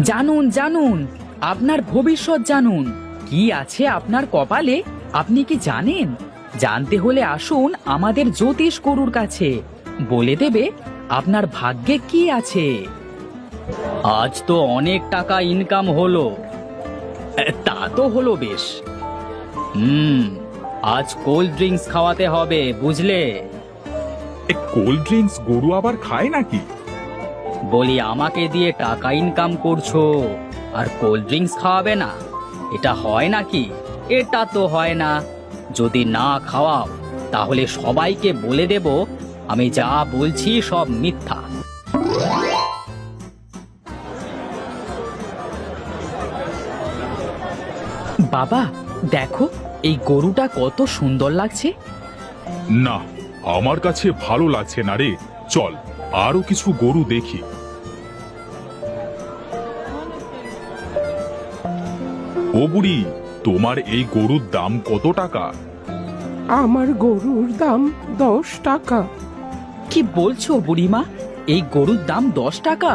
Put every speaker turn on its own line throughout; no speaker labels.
জানুন জানুন, আপনার ভবিষ্যৎ জানুন। কি আছে আপনার কপালে আপনি কি জানেন? জানতে হলে আসুন আমাদের জ্যোতিষ গুরুর কাছে, বলে দেবে আপনার ভাগ্যে কি আছে। আজ তো অনেক টাকা ইনকাম হলো। তা তো হলো বেশ। আজ কোল্ড ড্রিঙ্কস খাওয়াতে হবে, বুঝলে?
কোল্ড ড্রিঙ্কস গরু আবার খায় নাকি?
বলি আমাকে দিয়ে টাকা ইনকাম করছো আর কোল্ড ড্রিঙ্কস খাওয়াবে না? এটা হয় নাকি? এটা তো হয় না। যদি না খাওয়াও তাহলে সবাইকে বলে দেব আমি যা বলছি সব মিথ্যা। বাবা দেখো, এই গরুটা কত সুন্দর লাগছে।
না, আমার কাছে ভালো লাগছে না রে। চল আরো কিছু গরু দেখি। ও বুড়ি, তোমার এই গরুর দাম কত টাকা?
আমার গরুর দাম 10 টাকা।
কি বলছো বুড়িমা? এই গরুর দাম 10 টাকা?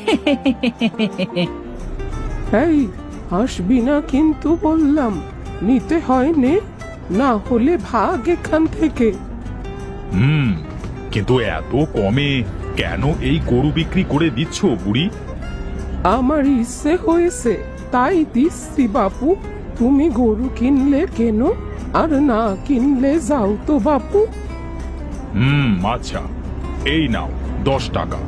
এই, হাসবি না কিন্তু বললাম। নিতে হয় নে, না হলে ভাগ এখান থেকে।
কিন্তু এত কমে কেন এই গরু বিক্রি করে দিচ্ছ বুড়ি?
আমার ইচ্ছে হয়েছে তাই দিচ্ছি বাপু। তুমি গরু কিনলে কেন, আর না কিনলে যাও তো বাপু।
আচ্ছা, এই নাও 10 টাকা।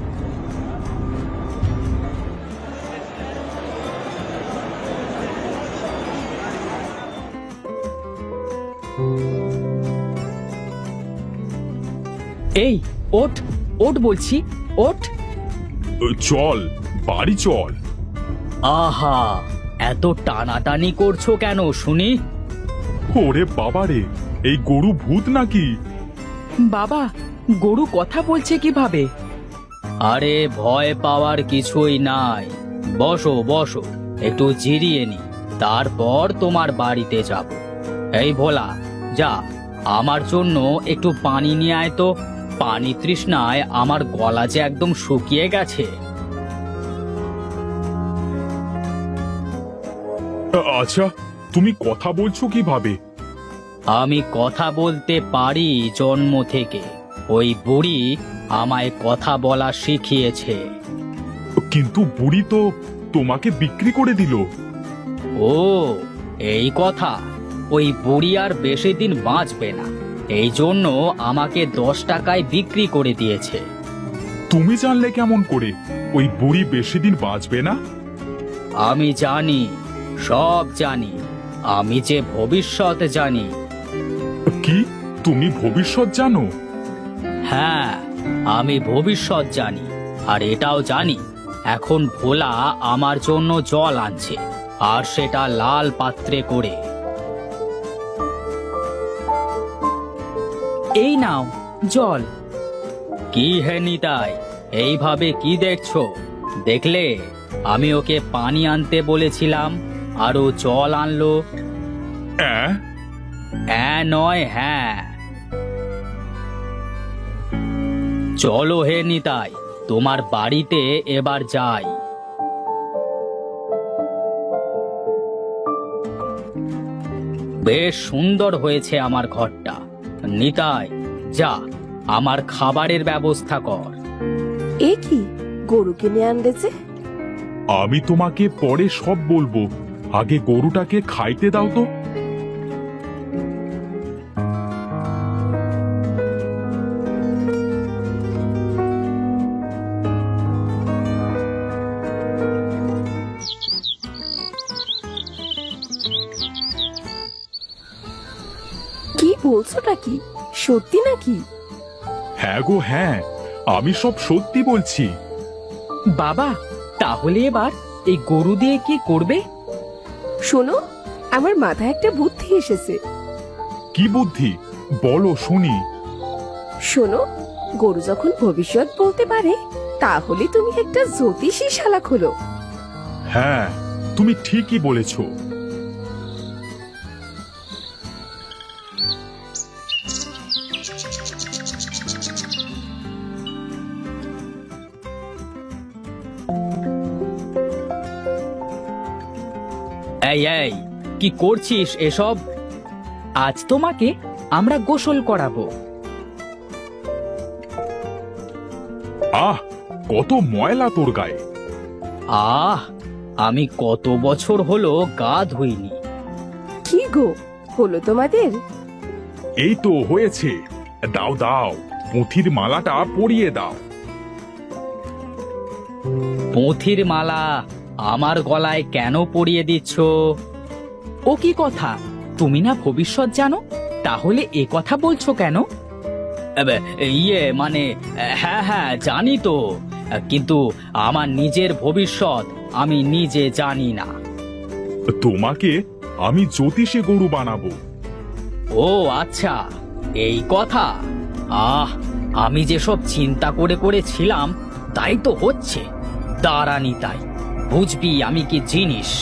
এই ওঠ, ওঠ বলছি, ওঠ।
চল, বাড়ি চল।
আহা, এত টানাটানি করছো কেন শুনি?
ওরে বাবারে, এই গরু ভূত নাকি?
বাবা, গরু কথা বলছে কিভাবে? আরে ভয় পাওয়ার কিছুই নাই। বসো বসো, একটু জিরিয়ে নি, তারপর তোমার বাড়িতে যাব। এই ভোলা, যা আমার জন্য একটু পানি নিয়ে আয় তো। পানি তৃষ্ণায় আমার গলা যে একদম শুকিয়ে গেছে।
আচ্ছা, তুমি কথা বলছো কিভাবে?
আমি কথা বলতে পারি জন্ম থেকে। ওই বুড়ি আমায় কথা বলা শিখিয়েছে।
কিন্তু বুড়ি তো তোমাকে বিক্রি করে দিল।
ও, এই কথা। ওই বুড়ি আর বেশি দিন বাঁচবে না, এই জন্য আমাকে 10 টাকায় বিক্রি করে দিয়েছে।
তুমি জানলে কেমন করে ওই বুড়ি বেশি দিন বাঁচবে না?
আমি জানি, সব জানি। আমি যে ভবিষ্যৎ জানি।
কি, তুমি ভবিষ্যৎ জানো?
হ্যাঁ, আমি ভবিষ্যৎ জানি। আর এটাও জানি এখন ভোলা আমার জন্য জল আনছে, আর সেটা লাল পাত্রে করে। এই নাও জল। কি হে নিতাই, এইভাবে কি দেখছো? দেখলে আমি ওকে পানি আনতে বলেছিলাম আর ও জল আনলো।
অ্যাঁ?
হ্যাঁ নয় হ্যাঁ। চলো হে নিতাই, তোমার বাড়িতে এবার যাই। বেশ সুন্দর হয়েছে আমার ঘরটা। নিতাই, যা আমার খাবারের ব্যবস্থা কর।
এ কি, গরু কিনে আনতেছে?
আমি তোমাকে পরে সব বলবো, আগে গরুটাকে খাইতে দাও তো।
কি বলছোটা কি, সত্যি নাকি?
হ্যাঁ গো হ্যাঁ, আমি সব সত্যি বলছি।
বাবা, তাহলে এবার এই গরু দিয়ে কি করবে?
শোনো, আমার মাথায় একটা বুদ্ধি এসেছে।
কি বুদ্ধি, বলো শুনি।
শোনো, গরু যখন ভবিষ্যৎ বলতে পারে, তাহলে তুমি একটা জ্যোতিষী শালা খোলো।
হ্যাঁ, তুমি ঠিকই বলেছো।
এই এই কি করছিস এসব? আজ তোমাকে আমরা গোসল করাবো।
আহ, কত ময়লা তোর গায়ে।
আহ, আমি কত বছর হলো গা ধুইনি।
কি গো, হলো তোমাদের?
এই তো হয়েছে। দাও দাও, পুঁথির মালাটা পরিয়ে দাও।
পুঁথির মালা আমার গলায় কেন পরিয়ে দিচ্ছ? ও কি কথা, তুমি না ভবিষ্যৎ জানো, তাহলে এ কথা বলছো কেন? এবে, ইয়ে মানে, হ্যাঁ হ্যাঁ জানি তো, কিন্তু আমার নিজের ভবিষ্যৎ আমি নিজে জানি না।
তোমাকে আমি জ্যোতিষে গরু বানাবো।
ও আচ্ছা, এই কথা। আহ, আমি যেসব চিন্তা করে করেছিলাম তাই তো হচ্ছে। দাঁড়ানি তাই, বুঝবি আমি কি জিনিস।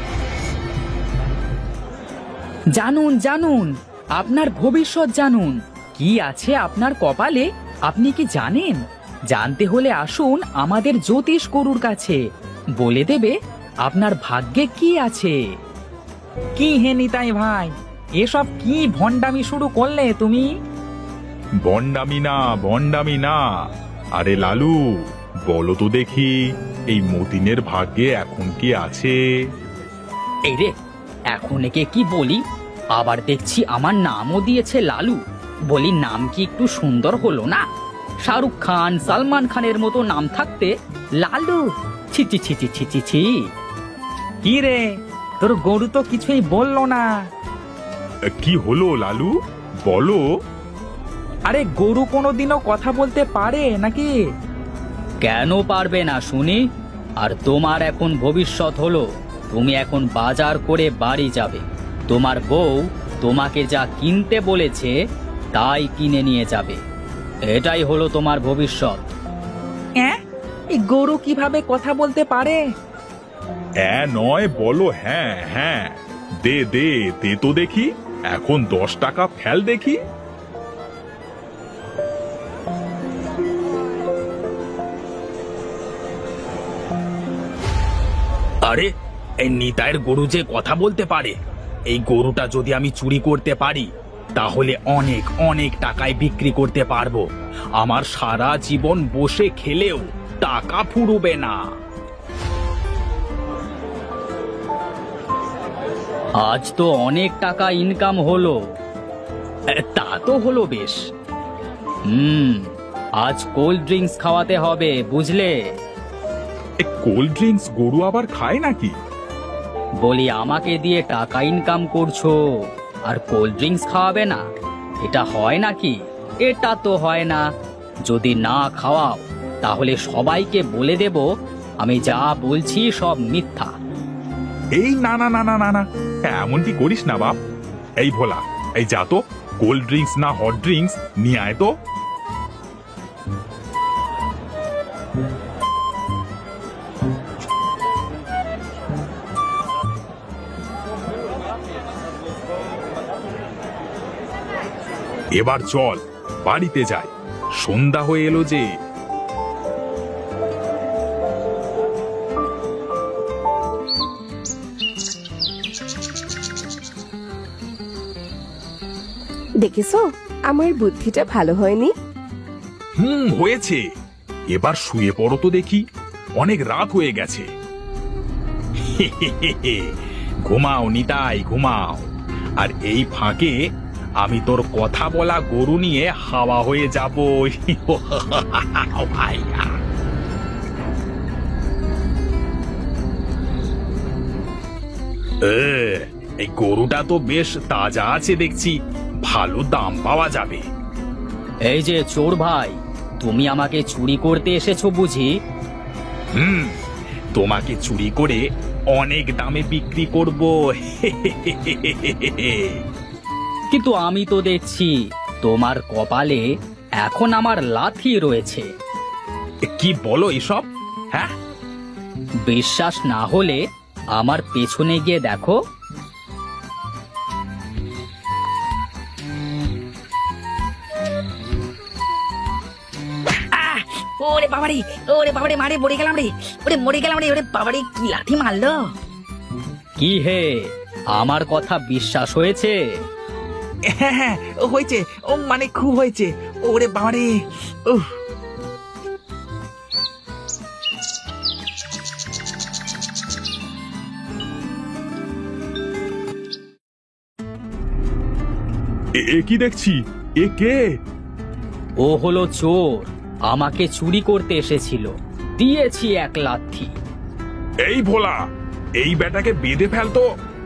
জানুন জানুন, আপনার ভবিষ্যৎ জানুন। কি আছে আপনার কপালে আপনি কি জানেন? জানতে হলে আসুন আমাদের জ্যোতিষ গরুর কাছে, বলে দেবে আপনার ভাগ্যে কি আছে। কি হে নিতাই ভাই, এসব কি ভণ্ডামি শুরু করলে তুমি?
বন্ডামি না, বন্ডামি না। আরে লালু, বলো তো দেখি, এই মতিনের ভাগ্যে এখন কি আছে?
এই রে, এখন একে কি বলি? আবার দেখছি আমার নামও দিয়েছে লালু। বলি, নাম কি একটু সুন্দর হলো না? শাহরুখ খান, সালমান খানের মতো নাম থাকতে লালু, ছি ছি ছি ছি ছি ছি ছি। কি রে, তোর গরু তো কিছুই বললো না।
কি হলো লালু, বলো।
আরে, গরু কোনোদিনও কথা বলতে পারে নাকি? কেন পারবে না শুনি? আর তোমার এখন ভবিষ্যৎ হলো, তুমি এখন বাজার করে বাড়ি যাবে। তোমার বউ তোমাকে যা কিনতে বলেছে তাই কিনে নিয়ে যাবে। এটাই হলো তোমার ভবিষ্যৎ। এই গরু কিভাবে কথা বলতে পারে?
নয়, বলো হ্যাঁ হ্যাঁ। দে দে দে তো দেখি, এখন 10 টাকা ফেল দেখি।
আরে, এই নিতাইয়ের গরু যে কথা বলতে পারে। এই গরুটা যদি আমি চুরি করতে পারি তাহলে অনেক অনেক টাকায় বিক্রি করতে পারবো। আমার সারা জীবন বসে খেলেও টাকা ফুরবে না। আজ তো অনেক টাকা ইনকাম হলো। তা তো হলো বেশ। আজ কোল্ড ড্রিঙ্কস খাওয়াতে হবে, বুঝলে?
কোল্ড ড্রিঙ্কস গরু আবার খায় নাকি?
বলি, আমাকে দিয়ে টাকা ইনকাম করছো আর কোল্ড ড্রিঙ্কস খাওয়াবে না? এটা হয় নাকি? এটা তো হয় না। যদি না খাওয়াও তাহলে সবাইকে বলে দেব আমি যা বলছি সব মিথ্যা।
এই না না না না না না, এমনটি করিস না বাপ। এই ভোলা, এই যা তো, কোল্ড ড্রিঙ্কস না হট ড্রিঙ্কস নিয়ে আয় তো। এবার চল বাড়িতে যাই, সন্ধ্যা হয়ে এলো যে।
দেখেছো, আমার বুদ্ধিটা ভালো হয়নি?
হয়েছে। এবার শুয়ে পড়ো তো দেখি, অনেক রাত হয়ে গেছে। ঘুমাও নিতাই, ঘুমাও। আর এই ফাঁকে আমি তোর কথা বলা গরু নিয়ে হাওয়া হয়ে যাব। এই গরুটা তো বেশ তাজা আছে দেখছি, ভালো দাম পাওয়া যাবে।
এই যে চোর ভাই, তুমি আমাকে চুরি করতে এসেছো বুঝি?
তোমাকে চুরি করে অনেক দামে বিক্রি করব।
কিন্তু আমি তো দেখছি তোমার কপালে এখন আমার লাথি রয়েছে।
কি বলো এসব? হ্যাঁ,
বিশ্বাস না হলে আমার পেছনে গিয়ে দেখো।
ওরে বাবারে, ওরে বাবারে, মারে মরে গেলাম রে। ওরে মরে গেলাম রে, ওরে বাবারে, কি লাঠি মারলো।
কি হে, আমার কথা বিশ্বাস হয়েছে?
হ্যাঁ হ্যাঁ, হয়েছে, ও মানে খুব হয়েছে। ওরে বাবারে, উফ।
এ কি দেখছি? এ কে?
ও হলো চোর, আমাকে চুরি করতে এসেছিল, দিয়েছি এক লাথি।
এই ভোলা, এই বেটাকে বেঁধে ফেলতো।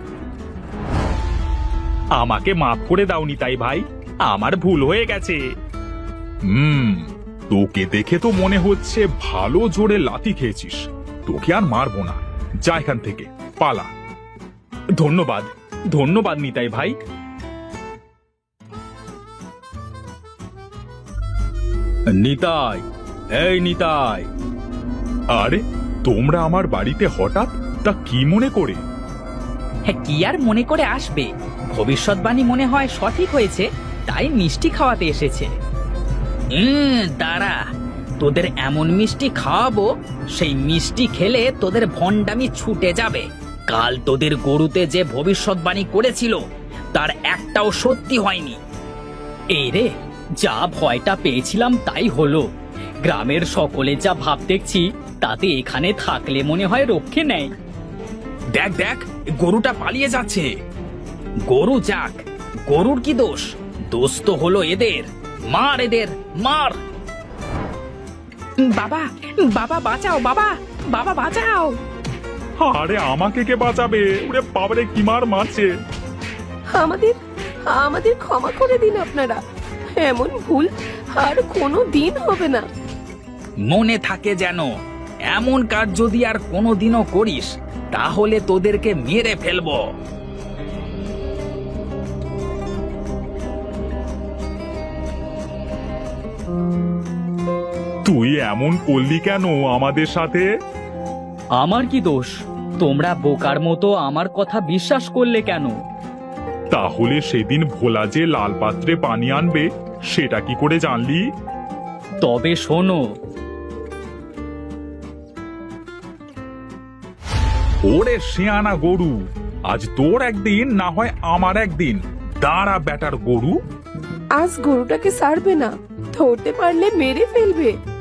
আমাকে মাফ করে দাওনি তাই ভাই, আমার ভুল হয়ে গেছে।
তোকে দেখে তো মনে হচ্ছে ভালো জোরে লাথি খেয়েছিস। তোকে আর মারবো না, যা এখান থেকে, পালা।
ধন্যবাদ, ধন্যবাদ নিতাই ভাই। নিতাই, এই নিতাই।
আরে তোমরা আমার বাড়িতে হঠাৎ, তা কি মনে করে?
হ্যাঁ, কি আর মনে করে আসবে, ভবিষ্যৎবাণী মনে হয় সঠিক হয়েছে, তাই মিষ্টি খাওয়াতে এসেছে। দাঁড়া, তোদের এমন মিষ্টি খাওয়াবো, সেই মিষ্টি খেলে তোদের ভণ্ডামি ছুটে যাবে। কাল তোদের গরুতে যে ভবিষ্যৎবাণী করেছিল তার একটাও সত্যি হয়নি। এই রে, যা ভয়টা পেয়েছিলাম তাই হলো। গ্রামের সকলে যা ভাব দেখছি, তাতে এখানে থাকলে মনে হয় রক্ষে নেই।
দেখ দেখ, গরুটা পালিয়ে যাচ্ছে।
গরু যাক, গরুর কি দোষ? দোষ তো হলো এদের। মার এদের, মার। বাবা, বাবা বাঁচাও, বাবা, বাবা বাঁচাও।
আরে আমাকে কে বাঁচাবে? ওরে বাবারে, কি মার মারছে!
আমাদের আমাদের ক্ষমা করে দিন আপনারা, এমন ভুল আর কোনো দিন হবে না।
মনে থাকে যেন, এমন কাজ যদি আর কোনোদিনও করিস, তাহলে তোদেরকে মেরে ফেলবো।
তুই এমন করলি কেন আমাদের সাথে?
আমার কি দোষ? তোমরা বোকার মতো আমার কথা বিশ্বাস করলে কেন?
তাহলে সেদিন ভোলা যে লাল পাত্রে পানি আনবে, সেটা কি করে জানলি?
তবে শোনো,
ওরে শিয়ানা গরু, আজ তোর একদিন না হয় আমার একদিন। দাঁড়া বেটার গরু।
আজ গরুটাকে ছাড়বে না, ধরতে পারলে মেরে ফেলবে।